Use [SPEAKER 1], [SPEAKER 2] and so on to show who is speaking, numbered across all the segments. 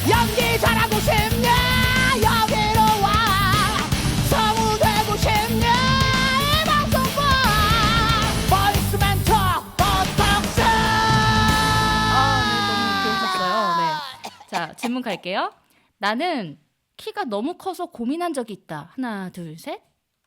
[SPEAKER 1] 연기 잘하고 싶냐 여기로 와 성우 되고 싶냐 이 방송 봐 보이스 멘토 보톡스
[SPEAKER 2] 너무 배우셨어요. 네. 자, 질문 갈게요. 나는 키가 너무 커서 고민한 적이 있다. 하나, 둘, 셋.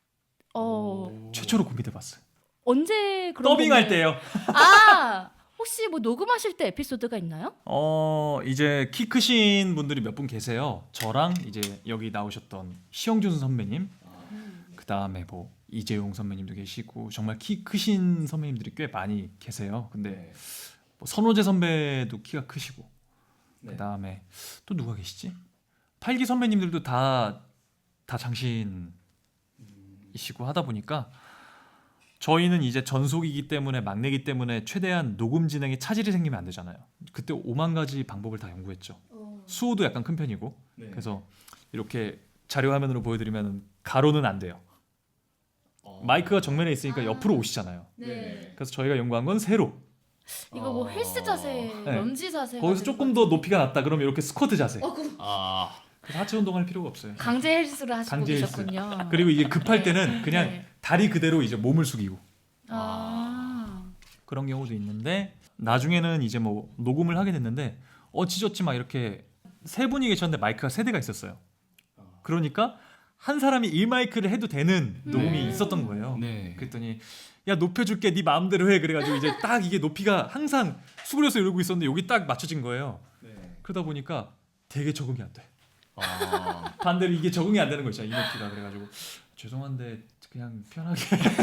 [SPEAKER 3] 최초로 고민해봤어요.
[SPEAKER 2] 언제 그런
[SPEAKER 3] 더빙할
[SPEAKER 2] 고민을-
[SPEAKER 3] 때요.
[SPEAKER 2] 아, 혹시 뭐 녹음하실 때 에피소드가 있나요?
[SPEAKER 3] 이제 키 크신 분들이 몇 분 계세요. 저랑 이제 여기 나오셨던 시영준 선배님, 그 다음에 뭐 이재용 선배님도 계시고 정말 키 크신 선배님들이 꽤 많이 계세요. 근데 뭐 선호재 선배도 키가 크시고, 그 다음에 또 누가 계시지? 팔기 선배님들도 다 장신이시고 하다 보니까 저희는 이제 전속이기 때문에 막내기 때문에 최대한 녹음 진행에 차질이 생기면 안 되잖아요. 그때 5만 가지 방법을 다 연구했죠. 수호도 약간 큰 편이고 그래서 이렇게 자료 화면으로 보여드리면 가로는 안 돼요. 마이크가 정면에 있으니까 옆으로 오시잖아요.
[SPEAKER 2] 네.
[SPEAKER 3] 그래서 저희가 연구한 건 세로.
[SPEAKER 2] 이거 뭐 헬스 자세,
[SPEAKER 3] 네.
[SPEAKER 2] 런지 자세.
[SPEAKER 3] 거기서 조금 더 높이가 낮다 그러면 이렇게 스쿼트 자세.
[SPEAKER 4] 아,
[SPEAKER 3] 그래서 하체 운동할 필요가 없어요.
[SPEAKER 2] 강제 헬스를 하시고
[SPEAKER 3] 강제 헬스.
[SPEAKER 2] 계셨군요.
[SPEAKER 3] 그리고 이게 급할
[SPEAKER 2] 네.
[SPEAKER 3] 때는 그냥
[SPEAKER 2] 네.
[SPEAKER 3] 다리 그대로 이제 몸을 숙이고
[SPEAKER 2] 아.
[SPEAKER 3] 그런 경우도 있는데 나중에는 이제 뭐 녹음을 하게 됐는데 어찌저찌 막 이렇게 세 분이 계셨는데 마이크가 세 대가 있었어요. 그러니까 한 사람이 1마이크를 해도 되는 녹음이 있었던 거예요.
[SPEAKER 4] 네.
[SPEAKER 3] 그랬더니 야 높여줄게 네 마음대로 해 그래가지고 이제 딱 이게 높이가 항상 수그려서 이러고 있었는데 여기 딱 맞춰진 거예요. 그러다 보니까 되게 적응이 안 돼.
[SPEAKER 4] 아,
[SPEAKER 3] 반대로 이게 적응이 안 되는 거 있잖아요. 이 높이가. 그래가지고 죄송한데 그냥 편하게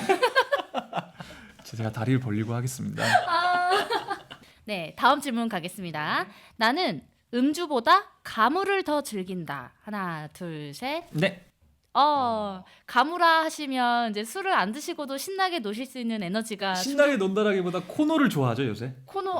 [SPEAKER 3] 제가 다리를 벌리고 하겠습니다.
[SPEAKER 2] 네, 다음 질문 가겠습니다. 나는 음주보다 가물을 더 즐긴다. 하나, 둘, 셋.
[SPEAKER 3] 네.
[SPEAKER 2] 가무라 하시면 이제 술을 안 드시고도 신나게 노실 수 있는 에너지가
[SPEAKER 3] 신나게 논다라기보다 코너를 좋아하죠 요새.
[SPEAKER 2] 코너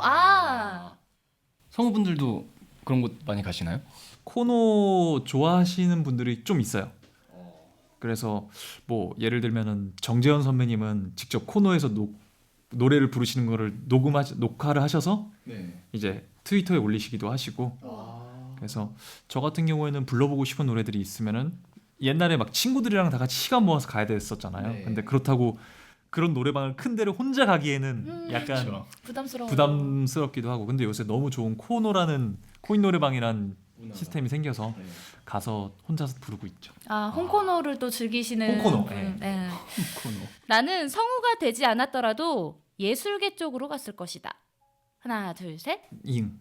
[SPEAKER 4] 성우분들도 그런 곳 많이 가시나요?
[SPEAKER 3] 코너 좋아하시는 분들이 좀 있어요. 그래서 뭐 예를 들면은 정재현 선배님은 직접 코너에서 노래를 부르시는 거를 녹화를 하셔서 이제 트위터에 올리시기도 하시고. 그래서 저 같은 경우에는 불러보고 싶은 노래들이 있으면은 옛날에 막 친구들이랑 다 같이 시간 모아서 가야 됐었잖아요. 근데 그렇다고 그런 노래방을 큰 데를 혼자 가기에는 약간
[SPEAKER 4] 그렇죠.
[SPEAKER 3] 부담스럽기도 하고. 근데 요새 너무 좋은 코노라는 코인 노래방이란 시스템이 생겨서 가서 혼자서 부르고 있죠.
[SPEAKER 2] 홍코노를 또 즐기시는
[SPEAKER 3] 홍코노.
[SPEAKER 2] 분. 네.
[SPEAKER 4] 코너.
[SPEAKER 2] 나는 성우가 되지 않았더라도 예술계 쪽으로 갔을 것이다. 하나, 둘, 셋.
[SPEAKER 3] 잉.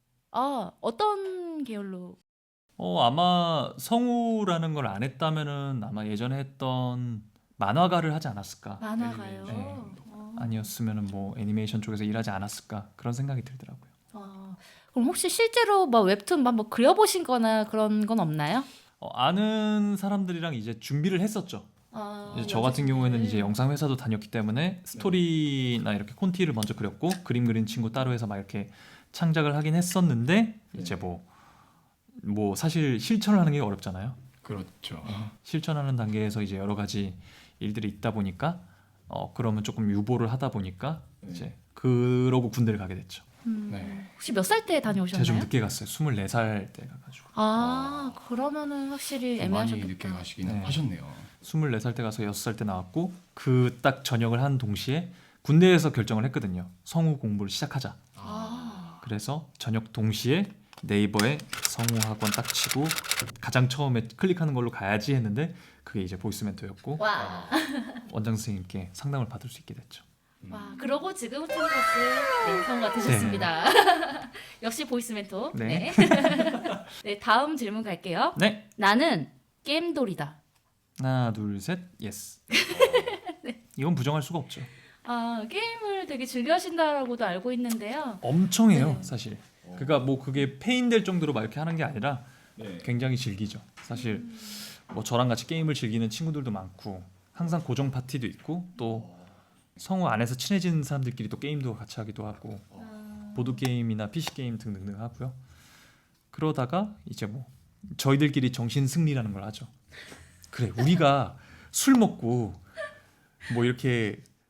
[SPEAKER 2] 어떤 계열로?
[SPEAKER 3] 아마 성우라는 걸 안 했다면은 아마 예전에 했던 만화가를 하지 않았을까.
[SPEAKER 2] 만화가요.
[SPEAKER 3] 네. 아니었으면은 뭐 애니메이션 쪽에서 일하지 않았을까 그런 생각이 들더라고요.
[SPEAKER 2] 그럼 혹시 실제로 뭐 웹툰 뭐 그려보신거나 그런 건 없나요?
[SPEAKER 3] 아는 사람들이랑 이제 준비를 했었죠. 이제 저 같은 경우에는 이제 영상 회사도 다녔기 때문에 스토리나 이렇게 콘티를 먼저 그렸고 그림 그린 친구 따로 해서 막 이렇게 창작을 하긴 했었는데 이제 뭐 사실 실천을 하는 게 어렵잖아요.
[SPEAKER 4] 그렇죠.
[SPEAKER 3] 실천하는 단계에서 이제 여러 가지 일들이 있다 보니까 그러면 조금 유보를 하다 보니까 이제 그러고 군대를 가게 됐죠.
[SPEAKER 4] 네.
[SPEAKER 2] 혹시 몇 살 때
[SPEAKER 3] 제가
[SPEAKER 2] 다녀오셨나요?
[SPEAKER 3] 좀 늦게 갔어요. 24살 때 가가지고.
[SPEAKER 2] 그러면은 확실히
[SPEAKER 4] 많이
[SPEAKER 2] 애매하셨겠다.
[SPEAKER 4] 늦게 가시기는
[SPEAKER 3] 네.
[SPEAKER 4] 하셨네요.
[SPEAKER 3] 24살 때 가서 6살 때 나왔고 그 딱 전역을 한 동시에 군대에서 결정을 했거든요. 성우 공부를 시작하자. 그래서 전역 동시에 네이버에 성우학원 딱 치고 가장 처음에 클릭하는 걸로 가야지 했는데 그게 이제 보이스 멘토였고
[SPEAKER 2] 와.
[SPEAKER 3] 원장 선생님께 상담을 받을 수 있게 됐죠.
[SPEAKER 2] 와, 그러고 지금 투니버스 성우가 되셨습니다. 역시 보이스 멘토.
[SPEAKER 3] 네.
[SPEAKER 2] 네, 다음 질문 갈게요.
[SPEAKER 3] 네.
[SPEAKER 2] 나는 게임돌이다.
[SPEAKER 3] 하나 둘 셋 예스. 이건 부정할 수가 없죠.
[SPEAKER 2] 게임을 되게 즐겨하신다라고도 알고 있는데요.
[SPEAKER 3] 엄청 해요
[SPEAKER 2] 네.
[SPEAKER 3] 사실. 그러니까 뭐 그게 페인될 정도로 막 이렇게 하는 게 아니라 굉장히 즐기죠. 사실 뭐 저랑 같이 게임을 즐기는 친구들도 많고 항상 고정 파티도 있고 또 성우 안에서 친해진 사람들끼리 또 게임도 같이 하기도 하고 보드 게임이나 PC 게임 등등등 하고요. 그러다가 이제 뭐 저희들끼리 정신 승리라는 걸 하죠. 그래 우리가 술 먹고 뭐 이렇게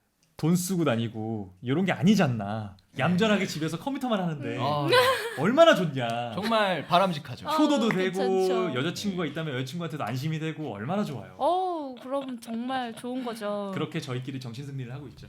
[SPEAKER 3] 돈 쓰고 다니고 이런 게 아니잖아. 얌전하게 집에서 컴퓨터만 하는데
[SPEAKER 4] 아,
[SPEAKER 3] 얼마나 좋냐.
[SPEAKER 4] 정말 바람직하죠.
[SPEAKER 3] 효도도 되고
[SPEAKER 2] 괜찮죠.
[SPEAKER 3] 여자친구가 있다면 여자친구한테도 안심이 되고 얼마나 좋아요.
[SPEAKER 2] 그럼 정말 좋은 거죠.
[SPEAKER 3] 그렇게 저희끼리 정신승리를 하고 있죠.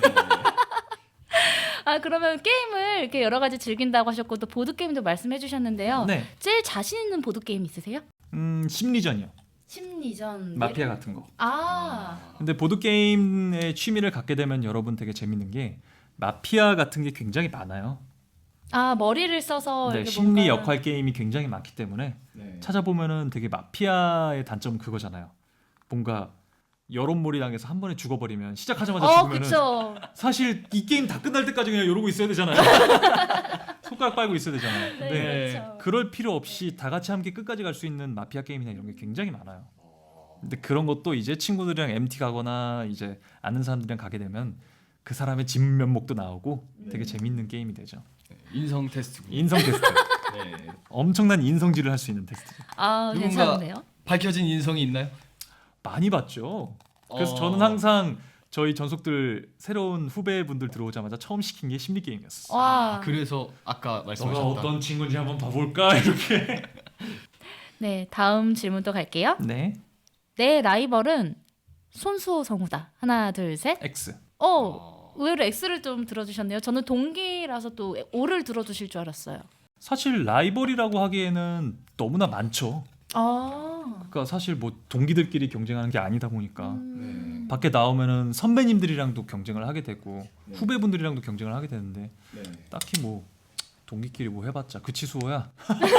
[SPEAKER 2] 그러면 게임을 이렇게 여러 가지 즐긴다고 하셨고 또 보드 게임도 말씀해 주셨는데요.
[SPEAKER 3] 네.
[SPEAKER 2] 제일 자신 있는 보드 게임 있으세요?
[SPEAKER 3] 심리전이요.
[SPEAKER 2] 심리전.
[SPEAKER 3] 마피아 같은 거. 근데 보드 게임에 취미를 갖게 되면 여러분 되게 재밌는 게 마피아 같은 게 굉장히 많아요.
[SPEAKER 2] 머리를 써서
[SPEAKER 3] 네,
[SPEAKER 2] 이렇게
[SPEAKER 3] 심리
[SPEAKER 2] 뭔가-
[SPEAKER 3] 역할 게임이 굉장히 많기 때문에
[SPEAKER 4] 네.
[SPEAKER 3] 찾아보면은 되게 마피아의 단점은 그거잖아요. 뭔가 여론몰이 당해서 한 번에 죽어버리면 시작하자마자 죽으면은
[SPEAKER 2] 그쵸.
[SPEAKER 3] 사실 이 게임 다 끝날 때까지 그냥 이러고 있어야 되잖아요. 손가락 빨고 있어야 되잖아요.
[SPEAKER 2] 네,
[SPEAKER 3] 근데
[SPEAKER 2] 그렇죠.
[SPEAKER 3] 그럴 필요 없이 다 같이 함께 끝까지 갈 수 있는 마피아 게임이나 이런 게 굉장히 많아요. 근데 그런 것도 이제 친구들이랑 MT 가거나 이제 아는 사람들이랑 가게 되면 그 사람의 진면목도 나오고 되게 재밌는 게임이 되죠.
[SPEAKER 4] 인성 테스트군요.
[SPEAKER 3] 인성 테스트.
[SPEAKER 4] 네.
[SPEAKER 3] 엄청난 인성질을 할 수 있는 테스트죠.
[SPEAKER 4] 누군가-
[SPEAKER 2] 괜찮은데요?
[SPEAKER 4] 밝혀진 인성이 있나요?
[SPEAKER 3] 많이 봤죠. 그래서
[SPEAKER 4] 어.
[SPEAKER 3] 저는 항상 저희 전속들 새로운 후배분들 들어오자마자 처음 시킨 게 심리 게임이었어.
[SPEAKER 2] 와.
[SPEAKER 4] 그래서 아까
[SPEAKER 3] 너가
[SPEAKER 4] 말씀하셨던
[SPEAKER 3] 어떤 친구인지 한번 봐볼까 이렇게.
[SPEAKER 2] 네, 다음 질문 또 갈게요.
[SPEAKER 3] 네.
[SPEAKER 2] 내 라이벌은 손수호 성우다. 하나, 둘, 셋.
[SPEAKER 3] X.
[SPEAKER 2] 의외로 X를 좀 들어주셨네요. 저는 동기라서 또 O를 들어주실 줄 알았어요.
[SPEAKER 3] 사실 라이벌이라고 하기에는 너무나 많죠. 그러니까 사실 뭐 동기들끼리 경쟁하는 게 아니다 보니까
[SPEAKER 2] 음.
[SPEAKER 3] 밖에 나오면은 선배님들이랑도 경쟁을 하게 되고
[SPEAKER 4] 네.
[SPEAKER 3] 후배분들이랑도 경쟁을 하게 되는데
[SPEAKER 4] 네.
[SPEAKER 3] 딱히 뭐 동기끼리 뭐 해봤자 그치 수호야.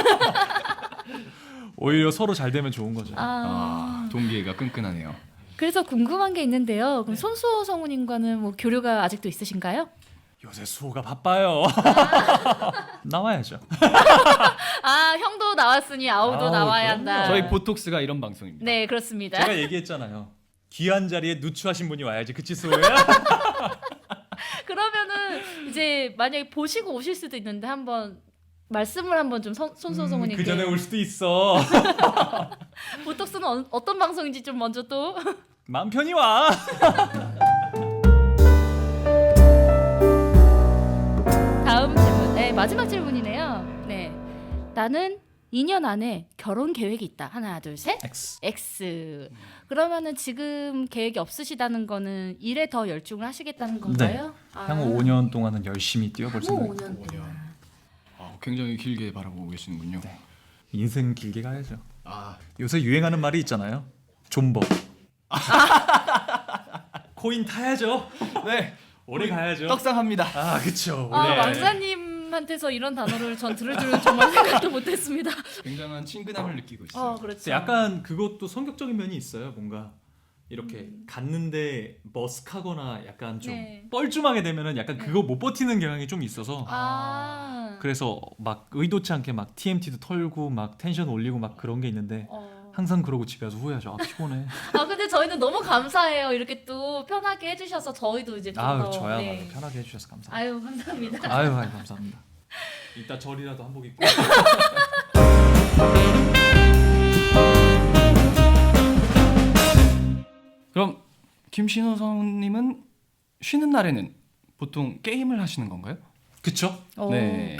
[SPEAKER 3] 오히려 서로 잘 되면 좋은 거죠.
[SPEAKER 4] 동기가 끈끈하네요.
[SPEAKER 2] 그래서 궁금한 게 있는데요. 그럼 손수호 성우님과는 뭐 교류가 아직도 있으신가요?
[SPEAKER 3] 요새 수호가 바빠요. 나와야죠.
[SPEAKER 2] 형도 나왔으니 아우도
[SPEAKER 3] 아우,
[SPEAKER 2] 나와야
[SPEAKER 3] 그럼요.
[SPEAKER 2] 한다.
[SPEAKER 4] 저희 보톡스가 이런 방송입니다.
[SPEAKER 2] 네, 그렇습니다.
[SPEAKER 3] 제가 얘기했잖아요. 귀한 자리에 누추하신 분이 와야지 그치 수호야.
[SPEAKER 2] 그러면은 이제 만약에 보시고 오실 수도 있는데 한번 말씀을 한번 좀 손수호 성우님께.
[SPEAKER 3] 그 전에 올 수도 있어.
[SPEAKER 2] 보톡스는 어떤 방송인지 좀 먼저 또.
[SPEAKER 3] 마음 편히 와.
[SPEAKER 2] 다음 질문. 네, 마지막 질문이네요. 네. 나는 2년 안에 결혼 계획이 있다. 하나, 둘, 셋.
[SPEAKER 3] X.
[SPEAKER 2] X. 그러면은 지금 계획이 없으시다는 거는 일에 더 열중을 하시겠다는 건가요?
[SPEAKER 3] 향후 5년 동안은 열심히 뛰어볼
[SPEAKER 2] 향후
[SPEAKER 3] 생각입니다.
[SPEAKER 2] 5년 동안.
[SPEAKER 4] 굉장히 길게 바라보고 계시는군요.
[SPEAKER 3] 네. 인생 길게 가야죠.
[SPEAKER 4] 아,
[SPEAKER 3] 요새 유행하는 말이 있잖아요. 존버. 코인 타야죠.
[SPEAKER 4] 네.
[SPEAKER 3] 오래 가야죠.
[SPEAKER 4] 떡상합니다.
[SPEAKER 3] 아, 그쵸.
[SPEAKER 2] 왕자님한테서 이런 단어를 전 들을 줄은 정말 생각도 못했습니다.
[SPEAKER 4] 굉장한 친근함을 느끼고 있어요.
[SPEAKER 2] 그렇죠.
[SPEAKER 3] 약간 그것도 성격적인 면이 있어요. 뭔가 이렇게 갔는데 머쓱하거나 약간 좀
[SPEAKER 2] 네.
[SPEAKER 3] 뻘쭘하게 되면은 약간 그거 못 버티는 경향이 좀 있어서 그래서 막 의도치 않게 막 TMT도 털고 막 텐션 올리고 막 그런 게 있는데 항상 그러고 집에 와서 후회하죠. 아, 피곤해.
[SPEAKER 2] 근데 저희는 너무 감사해요. 이렇게 또 편하게 해주셔서 저희도 이제 좀
[SPEAKER 3] 아유,
[SPEAKER 2] 더.
[SPEAKER 3] 저야말로 편하게 해주셔서 감사합니다.
[SPEAKER 2] 아유, 감사합니다.
[SPEAKER 3] 아유, 감사합니다. 이따 절이라도 한복 입고.
[SPEAKER 4] 그럼 김신호 성우님은 쉬는 날에는 보통 게임을 하시는 건가요?
[SPEAKER 3] 그쵸?
[SPEAKER 4] 네.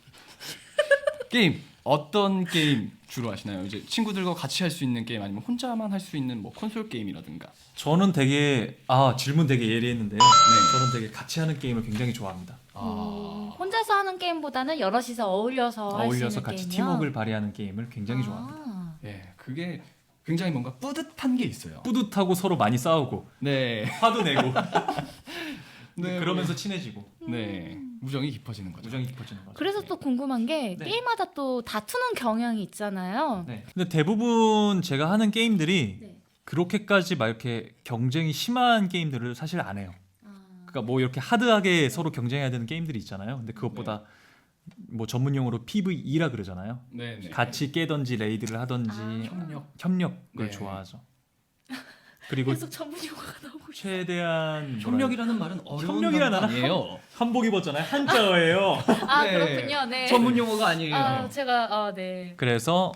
[SPEAKER 4] 게임 어떤 게임 주로 하시나요? 이제 친구들과 같이 할 수 있는 게임 아니면 혼자만 할 수 있는 뭐 콘솔 게임이라든가.
[SPEAKER 3] 저는 되게 질문 되게 예리했는데요. 저는 되게 같이 하는 게임을 굉장히 좋아합니다.
[SPEAKER 2] 혼자서 하는 게임보다는 여럿이서 어울려서 할 수 있는
[SPEAKER 3] 어울려서 같이
[SPEAKER 2] 게임이요?
[SPEAKER 3] 팀워크를 발휘하는 게임을 굉장히 좋아합니다.
[SPEAKER 4] 예, 그게 굉장히 뭔가 뿌듯한 게 있어요.
[SPEAKER 3] 뿌듯하고 서로 많이 싸우고
[SPEAKER 4] 네.
[SPEAKER 3] 화도 내고
[SPEAKER 4] 네,
[SPEAKER 3] 그러면서 친해지고
[SPEAKER 4] 네. 우정이 깊어지는 거죠.
[SPEAKER 3] 우정이 깊어지는 거죠.
[SPEAKER 2] 그래서 또 궁금한 게
[SPEAKER 3] 네.
[SPEAKER 2] 게임마다 또 다투는 경향이 있잖아요.
[SPEAKER 3] 네. 근데 대부분 제가 하는 게임들이
[SPEAKER 2] 네.
[SPEAKER 3] 그렇게까지 막 이렇게 경쟁이 심한 게임들을 사실 안 해요. 그러니까 뭐 이렇게 하드하게 서로 경쟁해야 되는 게임들이 있잖아요. 근데 그것보다 뭐 전문용어로 PVE라 그러잖아요.
[SPEAKER 4] 네, 네.
[SPEAKER 3] 같이 깨던지 레이드를 하던지 협력을
[SPEAKER 4] 네.
[SPEAKER 3] 좋아하죠. 그리고
[SPEAKER 2] 계속 전문 용어가 나오고 있어요.
[SPEAKER 3] 최대한
[SPEAKER 4] 협력이라는 말은 어려운
[SPEAKER 3] 협력이라는
[SPEAKER 4] 단어 아니에요.
[SPEAKER 3] 한복 입었잖아요. 한자어예요.
[SPEAKER 4] 네.
[SPEAKER 2] 그렇군요. 네.
[SPEAKER 4] 전문 용어가 아니에요.
[SPEAKER 2] 제가 네.
[SPEAKER 3] 그래서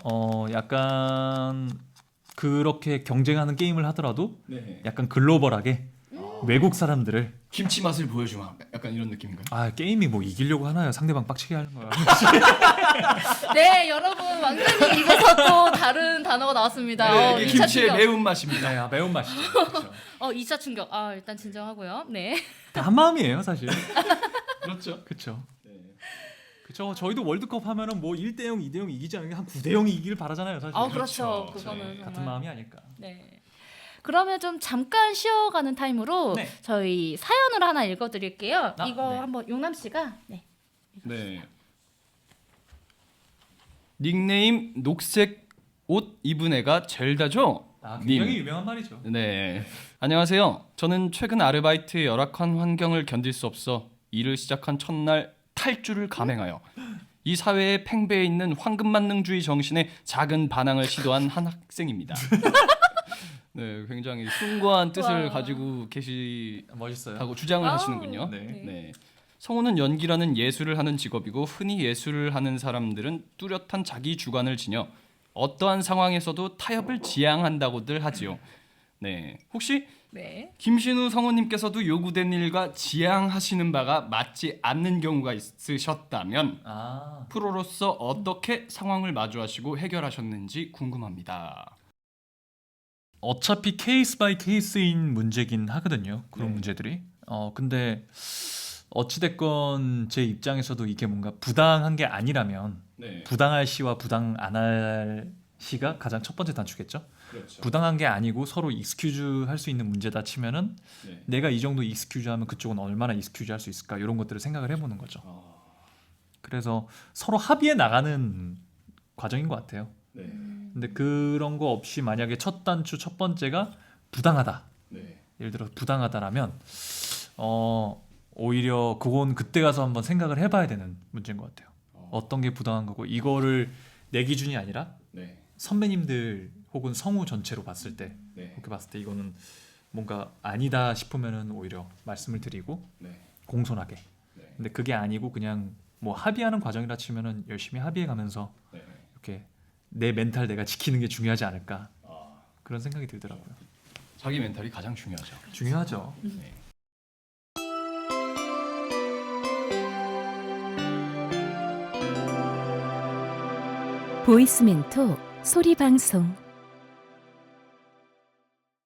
[SPEAKER 3] 약간 그렇게 경쟁하는 게임을 하더라도
[SPEAKER 4] 네.
[SPEAKER 3] 약간 글로벌하게 외국 사람들을
[SPEAKER 4] 김치 맛을 보여주마. 약간 이런 느낌인가요?
[SPEAKER 3] 아 게임이 뭐 이기려고 하나요? 상대방 빡치게 하는 거야.
[SPEAKER 2] 네, 여러분 왕자님 입에서 또 다른 단어가 나왔습니다.
[SPEAKER 4] 네, 이게
[SPEAKER 2] 2차
[SPEAKER 4] 김치의
[SPEAKER 2] 충격.
[SPEAKER 4] 매운맛입니다.
[SPEAKER 3] 네, 매운 맛이죠. 그렇죠.
[SPEAKER 2] 2차 충격. 일단 진정하고요. 네.
[SPEAKER 3] 한 마음이에요, 사실.
[SPEAKER 4] 그렇죠.
[SPEAKER 3] 그렇죠.
[SPEAKER 4] 네.
[SPEAKER 3] 그렇죠. 저희도 월드컵 하면은 뭐 1대 0, 2대 0 이기지 않는 게 한 9대 0이 이기길 바라잖아요, 사실.
[SPEAKER 2] 그렇죠.
[SPEAKER 4] 그렇죠.
[SPEAKER 2] 그거는
[SPEAKER 4] 네,
[SPEAKER 2] 정말.
[SPEAKER 3] 같은 마음이 아닐까.
[SPEAKER 2] 네. 그러면 좀 잠깐 쉬어가는 타임으로
[SPEAKER 3] 네.
[SPEAKER 2] 저희 사연을 하나 읽어드릴게요. 이거
[SPEAKER 3] 네.
[SPEAKER 2] 한번 용남 씨가
[SPEAKER 4] 네. 닉네임 녹색 옷 입은 애가 젤다죠?
[SPEAKER 3] 굉장히 유명한 말이죠.
[SPEAKER 4] 네. 안녕하세요. 저는 최근 아르바이트의 열악한 환경을 견딜 수 없어 일을 시작한 첫날 탈주를 감행하여 이 사회에 팽배해 있는 황금만능주의 정신에 작은 반항을 시도한 한 학생입니다. 네, 굉장히 숭고한 뜻을
[SPEAKER 2] 와.
[SPEAKER 4] 가지고 계시다고
[SPEAKER 3] 멋있어요.
[SPEAKER 4] 주장을
[SPEAKER 2] 아.
[SPEAKER 4] 하시는군요.
[SPEAKER 3] 네.
[SPEAKER 4] 네. 성우는 연기라는 예술을 하는 직업이고 흔히 예술을 하는 사람들은 뚜렷한 자기 주관을 지녀 어떠한 상황에서도 타협을 지향한다고들 하지요. 네. 혹시
[SPEAKER 2] 네.
[SPEAKER 4] 김신우 성우님께서도 요구된 일과 지향하시는 바가 맞지 않는 경우가 있으셨다면 프로로서 어떻게 상황을 마주하시고 해결하셨는지 궁금합니다.
[SPEAKER 3] 어차피 케이스 바이 케이스인 문제긴 하거든요. 그런
[SPEAKER 4] 네.
[SPEAKER 3] 문제들이. 근데 어찌됐건 제 입장에서도 이게 뭔가 부당한 게 아니라면
[SPEAKER 4] 네.
[SPEAKER 3] 부당할 시와 부당 안 할 시가 가장 첫 번째 단추겠죠.
[SPEAKER 4] 그렇죠.
[SPEAKER 3] 부당한 게 아니고 서로 익스큐즈 할 수 있는 문제다 치면은
[SPEAKER 4] 네.
[SPEAKER 3] 내가 이 정도 익스큐즈 하면 그쪽은 얼마나 익스큐즈 할 수 있을까 이런 것들을 생각을 해보는 거죠. 그래서 서로 합의해 나가는 과정인 것 같아요.
[SPEAKER 4] 네.
[SPEAKER 3] 근데 그런 거 없이 만약에 첫 단추 첫 번째가 부당하다.
[SPEAKER 4] 네.
[SPEAKER 3] 예를 들어 부당하다라면 오히려 그건 그때 가서 한번 생각을 해봐야 되는 문제인 것 같아요. 어떤 게 부당한 거고 이거를 내 기준이 아니라
[SPEAKER 4] 네.
[SPEAKER 3] 선배님들 혹은 성우 전체로 봤을 때
[SPEAKER 4] 네.
[SPEAKER 3] 그렇게 봤을 때 이거는 뭔가 아니다 싶으면은 오히려 말씀을 드리고
[SPEAKER 4] 네.
[SPEAKER 3] 공손하게.
[SPEAKER 4] 네.
[SPEAKER 3] 근데 그게 아니고 그냥 뭐 합의하는 과정이라 치면은 열심히 합의해 가면서
[SPEAKER 4] 네.
[SPEAKER 3] 이렇게 내 멘탈 내가 지키는 게 중요하지 않을까
[SPEAKER 4] 아,
[SPEAKER 3] 그런 생각이 들더라고요.
[SPEAKER 4] 자기 멘탈이 가장 중요하죠.
[SPEAKER 3] 중요하죠.
[SPEAKER 4] 네.
[SPEAKER 5] 보이스멘토 소리 방송